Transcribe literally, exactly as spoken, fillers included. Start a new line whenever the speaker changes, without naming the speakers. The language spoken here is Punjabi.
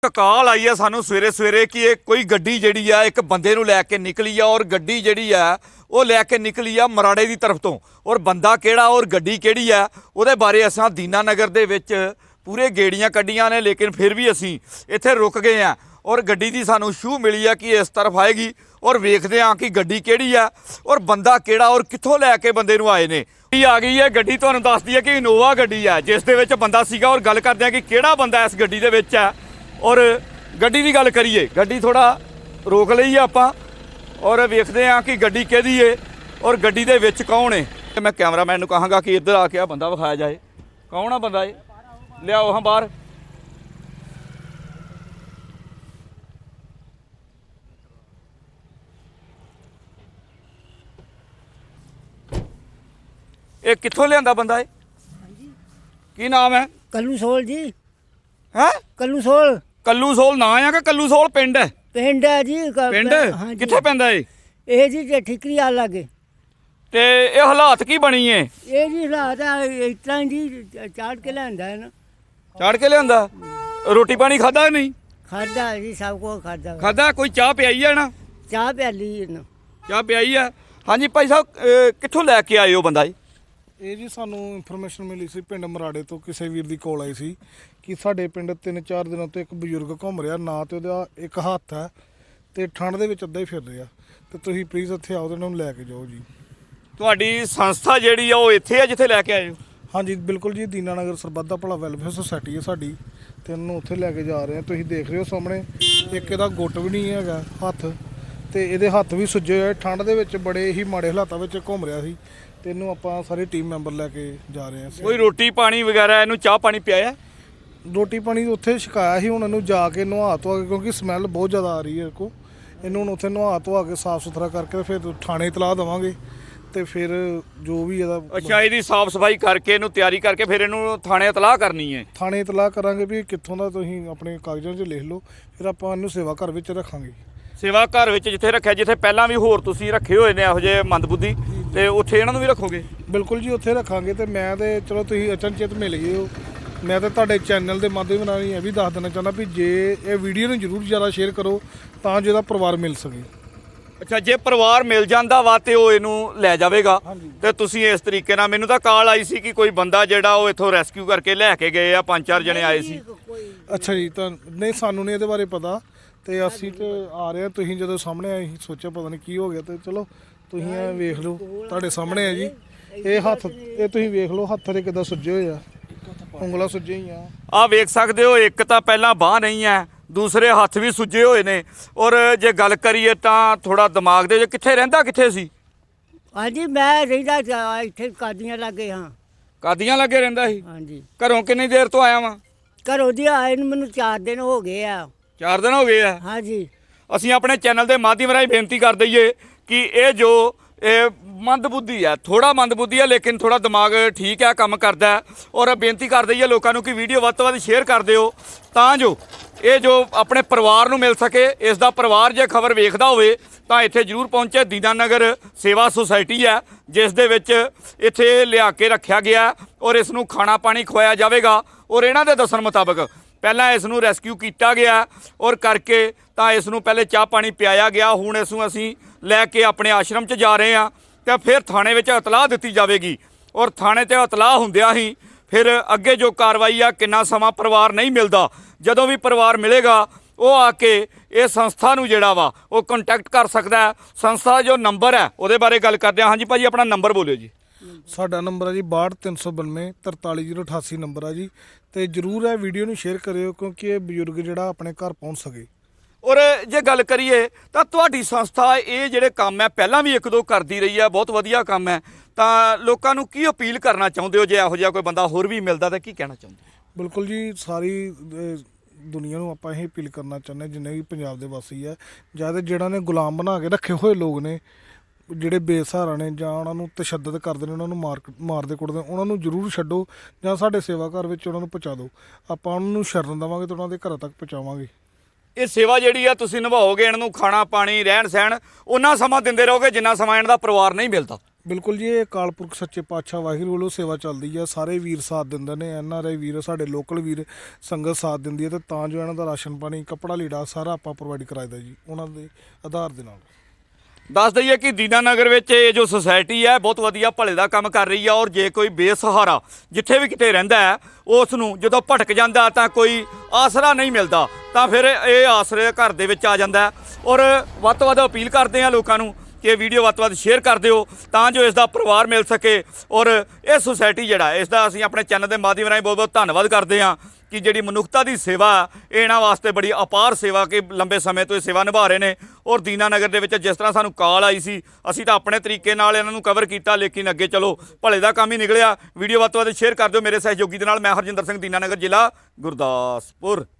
ਕਾਲ आई है सानू सवेरे सवेरे कि ये कोई गड्डी जिहड़ी आ एक बंदे नूं लैके निकली आ और गड्डी जिहड़ी आ वो लैके निकली आ मराड़े की तरफ तो और बंदा किहड़ा और गड्डी किहड़ी आ उहदे बारे असां दीना नगर दे विच पूरे गेड़ियां कड्डियां ने लेकिन फिर भी असीं इत्थे रुक गए हैं और गड्डी दी सानू शू मिली आ कि इस तरफ आएगी और वेखदे हां कि गड्डी किहड़ी आ और बंदा किहड़ा और कित्थों लैके बंदे नूं आए ने। आ गई है गड्डी, तुहानूं दसदी है कि इनोवा गड्डी है जिस दे विच बंदा सीगा और गल करदे हां कि किहड़ा बंदा इस गड्डी दे विच है और गड्डी की गल करिए गड्डी थोड़ा रोक लई आपां और वेखदे हां कि गड्डी किहदी है और गड्डी दे विच कौन है। मैं कैमरामैन नूं कहांगा कि इधर आके आ बंदा विखाया जाए कौन आ बंदा है, लियाओ हाँ बाहर। ये कित्थों लियांदा बंदा है, की नाम है?
कल्लू सोल जी।
है
कल्लू सोल
कल्लू सोल ना है कि कल्लू सोल पिंड है?
पिंड है जी।
पिंड
हाँ
कित्थे पैंदा है?
ਇਹ ਜੀ ਜੇ ਠਿਕਰੀ ਆ ਲਾਗੇ
ਤੇ ਇਹ ਹਾਲਾਤ ਕੀ ਬਣੀ ਏ?
ਇਹ ਜੀ ਹਾਲਾਤ ਆ ਇਸ ਤਰ੍ਹਾਂ ਜੀ ਚਾੜ ਕੇ ਲਿਆਂਦਾ ਹੈ ਨਾ।
ਚਾੜ ਕੇ ਲਿਆਂਦਾ? ਰੋਟੀ ਪਾਣੀ ਖਾਦਾ ਨਹੀਂ?
ਖਾਦਾ ਜੀ ਸਭ ਕੁਝ ਖਾਦਾ।
ਖਾਦਾ? ਕੋਈ ਚਾਹ ਪਿਆਈ ਹੈ ਨਾ?
ਚਾਹ ਪਿਆਲੀ ਇਹਨੂੰ।
ਚਾਹ ਪਿਆਈ ਹੈ। ਹਾਂਜੀ ਭਾਈ ਸਾਹਿਬ ਅਹ ਕਿੱਥੋਂ ਲੈ ਕੇ ਆਏ ਹੋ ਬੰਦਾ ਜੀ?
ਇਹ ਜੀ ਸਾਨੂੰ ਇਨਫੋਰਮੇਸ਼ਨ ਮਿਲੀ ਸੀ ਪਿੰਡ ਮਰਾੜੇ ਤੋਂ, ਕਿਸੇ ਵੀਰ ਦੀ ਕੋਲ ਆਈ ਸੀ ਕਿ ਸਾਡੇ ਪਿੰਡ ਤਿੰਨ ਚਾਰ ਦਿਨਾਂ ਤੋਂ ਇੱਕ ਬਜ਼ੁਰਗ ਘੁੰਮ ਰਿਹਾ, ਨਾ ਤੇ ਉਹਦਾ ਇੱਕ ਹੱਥ ਹੈ ਤੇ ਠੰਡ ਦੇ ਵਿੱਚ ਅੱਧਾ ਹੀ ਫਿਰ ਰਿਹਾ, ਤੇ ਤੁਸੀਂ ਪਲੀਜ਼ ਇੱਥੇ ਆਓ ਤੇ ਉਹਨਾਂ ਨੂੰ ਲੈ ਕੇ ਜਾਓ ਜੀ।
ਤੁਹਾਡੀ ਸੰਸਥਾ ਜਿਹੜੀ ਆ ਉਹ ਇੱਥੇ ਆ ਜਿੱਥੇ ਲੈ ਕੇ ਆਏ ਹੋ?
ਹਾਂਜੀ ਬਿਲਕੁਲ ਜੀ, ਦੀਨਾ ਨਗਰ ਸਰਬੱਤ ਦਾ ਭਲਾ ਵੈਲਫੇਅਰ ਸੁਸਾਇਟੀ ਹੈ ਸਾਡੀ ਤੇ ਉਹਨੂੰ ਉੱਥੇ ਲੈ ਕੇ ਜਾ ਰਹੇ ਹਾਂ। ਤੁਸੀਂ ਦੇਖ ਰਹੇ ਹੋ ਸਾਹਮਣੇ ਇੱਕ ਇਹਦਾ ਗੁੱਟ ਵੀ ਨਹੀਂ ਹੈਗਾ ਹੱਥ, ਤੇ ਇਹਦੇ ਹੱਥ ਵੀ ਸੁੱਜੇ ਹੋਏ, ਠੰਡ ਦੇ ਵਿੱਚ ਬੜੇ ਹੀ ਮਾੜੇ ਹਾਲਾਤਾਂ ਵਿੱਚ ਘੁੰਮ ਰਿਹਾ ਸੀ ਤੇ ਇਹਨੂੰ ਆਪਾਂ ਸਾਰੇ ਟੀਮ ਮੈਂਬਰ ਲੈ ਕੇ ਜਾ ਰਹੇ ਹਾਂ।
ਕੋਈ ਰੋਟੀ ਪਾਣੀ ਵਗੈਰਾ ਇਹਨੂੰ ਚਾਹ ਪਾਣੀ ਪਿਆਇਆ?
ਰੋਟੀ ਪਾਣੀ ਉੱਥੇ ਛਕਾਇਆ ਸੀ, ਹੁਣ ਇਹਨੂੰ ਜਾ ਕੇ ਨਹਾ ਧੋ ਕੇ, ਕਿਉਂਕਿ ਸਮੈਲ ਬਹੁਤ ਜ਼ਿਆਦਾ ਆ ਰਹੀ ਹੈ ਕੋ, ਇਹਨੂੰ ਹੁਣ ਉੱਥੇ ਨਹਾ ਧੋ ਕੇ ਸਾਫ਼ ਸੁਥਰਾ ਕਰਕੇ ਫਿਰ ਥਾਣੇ ਇਤਲਾਹ ਦੇਵਾਂਗੇ ਤੇ ਫਿਰ ਜੋ ਵੀ ਇਹਦਾ।
ਅੱਛਾ, ਇਹਦੀ ਸਾਫ਼ ਸਫਾਈ ਕਰਕੇ ਇਹਨੂੰ ਤਿਆਰੀ ਕਰਕੇ ਫਿਰ ਇਹਨੂੰ ਥਾਣੇ ਇਤਲਾਹ ਕਰਨੀ ਹੈ?
ਥਾਣੇ ਇਤਲਾਹ ਕਰਾਂਗੇ ਵੀ ਕਿੱਥੋਂ ਦਾ, ਤੁਸੀਂ ਆਪਣੇ ਕਾਗਜ਼ਾਂ 'ਚ ਲਿਖ ਲਓ, ਫਿਰ ਆਪਾਂ ਇਹਨੂੰ ਸੇਵਾ ਘਰ ਵਿੱਚ ਰੱਖਾਂਗੇ।
ਸੇਵਾ ਘਰ ਵਿੱਚ ਜਿੱਥੇ ਰੱਖਿਆ, ਜਿੱਥੇ ਪਹਿਲਾਂ ਵੀ ਹੋਰ ਤੁਸੀਂ ਰੱਖੇ ਹੋਏ ਨੇ ਇਹੋ ਜਿਹੇ ਮੰਦਬੁੱਧੀ, ਤੇ ਉੱਥੇ ਇਹਨਾਂ ਨੂੰ ਵੀ ਰੱਖੋਗੇ?
ਬਿਲਕੁਲ ਜੀ, ਉੱਥੇ ਰੱਖਾਂਗੇ। ਤੇ ਮੈਂ ਤੇ ਚਲੋ ਤੁਸੀਂ ਅਚਨਚੇਤ ਮਿਲ ਗਏ ਹੋ, ਮੈਂ ਤਾਂ ਤੁਹਾਡੇ ਚੈਨਲ ਦੇ ਮਾਧਿਅਮ ਨਾਲ ਇਹ ਵੀ ਦੱਸ ਦੇਣਾ ਚਾਹੁੰਦਾ ਵੀ ਜੇ ਇਹ ਵੀਡੀਓ ਨੂੰ ਜ਼ਰੂਰ ਜ਼ਿਆਦਾ ਸ਼ੇਅਰ ਕਰੋ ਤਾਂ ਜੋ ਇਹਦਾ ਪਰਿਵਾਰ ਮਿਲ ਸਕੇ।
ਅੱਛਾ, ਜੇ ਪਰਿਵਾਰ ਮਿਲ ਜਾਂਦਾ ਵਾ ਤੇ ਉਹ ਇਹਨੂੰ ਲੈ ਜਾਵੇਗਾ ਤੇ ਤੁਸੀਂ ਇਸ ਤਰੀਕੇ ਨਾਲ, ਮੈਨੂੰ ਤਾਂ ਕਾਲ ਆਈ ਸੀ ਕਿ ਕੋਈ ਬੰਦਾ ਜਿਹੜਾ ਉਹ ਇੱਥੋਂ ਰੈਸਕਿਊ ਕਰਕੇ ਲੈ ਕੇ ਗਏ ਆ, ਪੰਜ ਚਾਰ ਜਣੇ ਆਏ ਸੀ।
ਅੱਛਾ ਜੀ, ਤਾਂ ਨਹੀਂ ਸਾਨੂੰ ਨਹੀਂ ਇਹਦੇ ਬਾਰੇ ਪਤਾ, ਤੇ ਅਸੀਂ ਤੇ ਆ ਰਹੇ ਹਾਂ, ਤੁਸੀਂ ਜਦੋਂ ਸਾਹਮਣੇ ਆਏ ਸੋਚਿਆ ਪਤਾ ਨਹੀਂ ਕੀ ਹੋ ਗਿਆ, ਤੇ ਚਲੋ ਤੁਸੀਂ ਇਹ ਵੇਖ ਲਓ, ਤੁਹਾਡੇ ਸਾਹਮਣੇ ਹੈ ਜੀ। ਇਹ ਹੱਥ ਇਹ ਤੁਸੀਂ ਵੇਖ ਲਓ, ਹੱਥ ਦੇ ਕਿੱਦਾਂ ਸੁੱਜੇ ਹੋਏ ਆ, ਉਂਗਲਾਂ ਸੁੱਜੇ ਹੀ ਆ।
ਆਹ ਵੇਖ ਸਕਦੇ ਹੋ, ਇੱਕ ਤਾਂ ਪਹਿਲਾਂ ਬਾਂਹ ਨਹੀਂ ਹੈ, ਦੂਸਰੇ ਹੱਥ ਵੀ ਸੁੱਜੇ ਹੋਏ ਨੇ। ਔਰ ਜੇ ਗੱਲ ਕਰੀਏ ਤਾਂ ਥੋੜਾ ਦਿਮਾਗ ਦੇ, ਕਿੱਥੇ ਰਹਿੰਦਾ ਕਿੱਥੇ ਸੀ?
ਹਾਂਜੀ ਮੈਂ ਰਹਿੰਦਾ ਇੱਥੇ ਕਾਦੀਆਂ ਲਾਗੇ ਹਾਂ।
ਕਾਦੀਆਂ ਲੱਗੇ ਰਹਿੰਦਾ ਸੀ?
ਹਾਂਜੀ।
ਘਰੋਂ ਕਿੰਨੀ ਦੇਰ ਤੋਂ ਆਇਆ ਵਾਂ?
ਘਰੋਂ ਦੀ ਆਏ ਨੂੰ ਮੈਨੂੰ ਚਾਰ ਦਿਨ ਹੋ ਗਏ ਆ।
ਚਾਰ ਦਿਨ ਹੋ ਗਏ ਆ?
ਹਾਂਜੀ।
ਅਸੀਂ ਆਪਣੇ ਚੈਨਲ ਦੇ ਮਾਧਿਅਮ ਰਾਹੀਂ ਬੇਨਤੀ ਕਰ ਦਈਏ ਕਿ ਇਹ ਜੋ ਇਹ ਮੰਦਬੁੱਧੀ ਹੈ, ਥੋੜਾ ਮੰਦਬੁੱਧੀ ਹੈ ਲੇਕਿਨ ਥੋੜਾ ਦਿਮਾਗ ਠੀਕ ਹੈ, ਕੰਮ ਕਰਦਾ। ਔਰ ਬੇਨਤੀ ਕਰ ਦਈਏ ਲੋਕਾਂ ਨੂੰ ਕਿ ਵੀਡੀਓ ਵੱਧ ਤੋਂ ਵੱਧ ਸ਼ੇਅਰ ਕਰ ਦਿਓ ਤਾਂ ਜੋ ਇਹ ਜੋ ਆਪਣੇ ਪਰਿਵਾਰ ਨੂੰ ਮਿਲ ਸਕੇ। ਇਸ ਦਾ ਪਰਿਵਾਰ ਜੇ ਖਬਰ ਵੇਖਦਾ ਹੋਵੇ ਤਾਂ ਇੱਥੇ ਜ਼ਰੂਰ ਪਹੁੰਚੇ। ਦੀਨਾ ਨਗਰ ਸੇਵਾ ਸੁਸਾਇਟੀ ਹੈ ਜਿਸ ਦੇ ਵਿੱਚ ਇੱਥੇ ਲਿਆ ਕੇ ਰੱਖਿਆ ਗਿਆ ਔਰ ਇਸ ਨੂੰ ਖਾਣਾ ਪਾਣੀ ਖਵਾਇਆ ਜਾਵੇਗਾ। ਔਰ ਇਹਨਾਂ ਦੇ ਦੱਸਣ ਮੁਤਾਬਕ ਪਹਿਲਾਂ ਇਸ ਨੂੰ ਰੈਸਕਿਊ ਕੀਤਾ ਗਿਆ ਔਰ ਕਰਕੇ ਤਾਂ ਇਸ ਨੂੰ ਪਹਿਲੇ ਚਾਹ ਪਾਣੀ ਪਿਆਇਆ ਗਿਆ। ਹੁਣ ਇਸ ਨੂੰ ਅਸੀਂ ਲੈ ਕੇ ਆਪਣੇ ਆਸ਼ਰਮ 'ਚ ਜਾ ਰਹੇ ਹਾਂ ਤੇ ਫਿਰ ਥਾਣੇ ਵਿੱਚ ਇਤਲਾਹ ਦਿੱਤੀ ਜਾਵੇਗੀ ਔਰ ਥਾਣੇ 'ਤੇ ਇਤਲਾਹ ਹੁੰਦਿਆਂ ਹੀ ਫਿਰ ਅੱਗੇ ਜੋ ਕਾਰਵਾਈ ਆ, ਕਿੰਨਾ ਸਮਾਂ ਪਰਿਵਾਰ ਨਹੀਂ ਮਿਲਦਾ, ਜਦੋਂ ਵੀ ਪਰਿਵਾਰ ਮਿਲੇਗਾ ਉਹ ਆ ਕੇ ਇਹ ਸੰਸਥਾ ਨੂੰ ਜਿਹੜਾ ਵਾ ਉਹ ਕੰਟੈਕਟ ਕਰ ਸਕਦਾ ਹੈ। ਸੰਸਥਾ ਜੋ ਨੰਬਰ ਹੈ ਉਹਦੇ ਬਾਰੇ ਗੱਲ ਕਰਦੇ ਹਾਂ। ਹਾਂਜੀ ਭਾਜੀ, ਆਪਣਾ ਨੰਬਰ ਬੋਲਿਓ ਜੀ।
ਸਾਡਾ ਨੰਬਰ ਹੈ ਜੀ ਬਾਹਠ ਤਿੰਨ ਸੌ ਬਾਨਵੇਂ ਤਰਤਾਲੀ ਜ਼ੀਰੋ ਅਠਾਸੀ ਨੰਬਰ ਆ ਜੀ, ਤੇ ਜ਼ਰੂਰ ਇਹ ਵੀਡੀਓ ਨੂੰ ਸ਼ੇਅਰ ਕਰਿਓ ਕਿਉਂਕਿ ਇਹ ਬਜ਼ੁਰਗ ਜਿਹੜਾ ਆਪਣੇ ਘਰ ਪਹੁੰਚ ਸਕੇ।
ਔਰ ਜੇ ਗੱਲ ਕਰੀਏ ਤਾਂ ਤੁਹਾਡੀ ਸੰਸਥਾ ਇਹ ਜਿਹੜੇ ਕੰਮ ਹੈ ਪਹਿਲਾਂ ਵੀ ਇੱਕ ਦੋ ਕਰਦੀ ਰਹੀ ਹੈ, ਬਹੁਤ ਵਧੀਆ ਕੰਮ ਹੈ, ਤਾਂ ਲੋਕਾਂ ਨੂੰ ਕੀ ਅਪੀਲ ਕਰਨਾ ਚਾਹੁੰਦੇ ਹੋ? ਜੇ ਇਹੋ ਜਿਹਾ ਕੋਈ ਬੰਦਾ ਹੋਰ ਵੀ ਮਿਲਦਾ ਤਾਂ ਕੀ ਕਹਿਣਾ ਚਾਹੁੰਦੇ?
ਬਿਲਕੁਲ ਜੀ, ਸਾਰੀ ਦੁਨੀਆ ਨੂੰ ਆਪਾਂ ਇਹ ਅਪੀਲ ਕਰਨਾ ਚਾਹੁੰਦੇ ਜਿੰਨੇ ਵੀ ਪੰਜਾਬ ਦੇ ਵਾਸੀ ਹੈ, ਜਾਂ ਜਿਹੜਾ ਨੇ ਗੁਲਾਮ ਬਣਾ ਕੇ ਰੱਖੇ ਹੋਏ ਲੋਕ ਨੇ, ਜਿਹੜੇ ਬੇਸਹਾਰਾ ਨੇ ਜਾਂ ਉਹਨਾਂ ਨੂੰ ਤਸ਼ੱਦਦ ਕਰਦੇ ਨੇ, ਉਹਨਾਂ ਨੂੰ ਮਾਰ ਮਾਰਦੇ ਕੁੱਟਦੇ, ਉਹਨਾਂ ਨੂੰ ਜ਼ਰੂਰ ਛੱਡੋ ਜਾਂ ਸਾਡੇ ਸੇਵਾ ਘਰ ਵਿੱਚ ਉਹਨਾਂ ਨੂੰ ਪਹੁੰਚਾ ਦਿਓ। ਆਪਾਂ ਉਹਨਾਂ ਨੂੰ ਸ਼ਰਨ ਦੇਵਾਂਗੇ ਤੇ ਉਹਨਾਂ ਦੇ ਘਰਾਂ ਤੱਕ ਪਹੁੰਚਾਵਾਂਗੇ।
ਇਹ ਸੇਵਾ ਜਿਹੜੀ ਆ ਤੁਸੀਂ ਨਿਭਾਓਗੇ, ਇਹਨਾਂ ਨੂੰ ਖਾਣਾ ਪਾਣੀ ਰਹਿਣ ਸਹਿਣ ਉਹਨਾਂ ਸਮਾਂ ਦਿੰਦੇ ਰਹੋਗੇ ਜਿੰਨਾ ਸਮਾਂ ਇਹਨਾਂ ਦਾ ਪਰਿਵਾਰ ਨਹੀਂ ਮਿਲਦਾ।
ਬਿਲਕੁਲ ਜੀ, ਇਹ ਅਕਾਲ ਪੁਰਖ ਸੱਚੇ ਪਾਤਸ਼ਾਹ ਵਾਹਿਗੁਰੂ ਵੱਲੋਂ ਸੇਵਾ ਚੱਲਦੀ ਹੈ। ਸਾਰੇ ਵੀਰ ਸਾਥ ਦਿੰਦੇ ਨੇ, ਐਨ ਆਰ ਆਈ ਵੀਰ, ਸਾਡੇ ਲੋਕਲ ਵੀਰ ਸੰਗਤ ਸਾਥ ਦਿੰਦੀ ਹੈ, ਤੇ ਤਾਂ ਜੋ ਇਹਨਾਂ ਦਾ ਰਾਸ਼ਨ ਪਾਣੀ, ਕੱਪੜਾ ਲੀੜਾ ਸਾਰਾ ਆਪਾਂ ਪ੍ਰੋਵਾਈਡ ਕਰਾਈਦਾ ਜੀ ਉਹਨਾਂ ਦੇ ਆਧਾਰ ਦੇ ਨਾਲ।
ਦੱਸ ਦਈਏ ਕਿ ਦੀਨਾਨਗਰ ਵਿੱਚ ਇਹ ਜੋ ਸੁਸਾਇਟੀ ਹੈ ਬਹੁਤ ਵਧੀਆ ਭਲੇ ਦਾ ਕੰਮ ਕਰ ਰਹੀ ਹੈ, ਔਰ ਜੇ ਕੋਈ ਬੇਸਹਾਰਾ ਜਿੱਥੇ ਵੀ ਕਿਤੇ ਰਹਿੰਦਾ ਹੈ ਉਸ ਨੂੰ ਜਦੋਂ ਭਟਕ ਜਾਂਦਾ ਤਾਂ ਕੋਈ ਆਸਰਾ ਨਹੀਂ ਮਿਲਦਾ, ਤਾਂ ਫਿਰ ਇਹ ਆਸਰੇ ਘਰ ਦੇ ਵਿੱਚ ਆ ਜਾਂਦਾ ਹੈ। ਔਰ ਵੱਧ ਤੋਂ ਵੱਧ ਅਪੀਲ ਕਰਦੇ ਹਾਂ ਲੋਕਾਂ ਨੂੰ ਕਿ ਇਹ ਵੀਡੀਓ ਵੱਧ ਤੋਂ ਵੱਧ ਸ਼ੇਅਰ ਕਰ ਦਿਓ ਤਾਂ ਜੋ ਇਸ ਦਾ ਪਰਿਵਾਰ ਮਿਲ ਸਕੇ। ਔਰ ਇਹ ਸੁਸਾਇਟੀ ਜਿਹੜਾ ਇਸ ਦਾ ਅਸੀਂ ਆਪਣੇ ਚੈਨਲ ਦੇ ਮਾਧਿਅਮ ਰਾਹੀਂ ਬਹੁਤ ਬਹੁਤ ਧੰਨਵਾਦ ਕਰਦੇ ਹਾਂ ਕਿ ਜਿਹੜੀ ਮਨੁੱਖਤਾ ਦੀ ਸੇਵਾ ਇਹ ਇਹਨਾਂ ਵਾਸਤੇ ਬੜੀ ਅਪਾਰ ਸੇਵਾ ਕਿ ਲੰਬੇ ਸਮੇਂ ਤੋਂ ਇਹ ਸੇਵਾ ਨਿਭਾ ਰਹੇ ਨੇ। ਔਰ ਦੀਨਾਨਗਰ ਦੇ ਵਿੱਚ ਜਿਸ ਤਰ੍ਹਾਂ ਸਾਨੂੰ ਕਾਲ ਆਈ ਸੀ, ਅਸੀਂ ਤਾਂ ਆਪਣੇ ਤਰੀਕੇ ਨਾਲ ਇਹਨਾਂ ਨੂੰ ਕਵਰ ਕੀਤਾ, ਲੇਕਿਨ ਅੱਗੇ ਚਲੋ ਭਲੇ ਦਾ ਕੰਮ ਹੀ ਨਿਕਲਿਆ। ਵੀਡੀਓ ਵੱਧ ਤੋਂ ਵੱਧ ਸ਼ੇਅਰ ਕਰ ਦਿਓ ਮੇਰੇ ਸਹਿਯੋਗੀ ਦੇ ਨਾਲ। ਮੈਂ ਹਰਜਿੰਦਰ ਸਿੰਘ, ਦੀਨਾਨਗਰ, ਜ਼ਿਲ੍ਹਾ ਗੁਰਦਾਸਪੁਰ।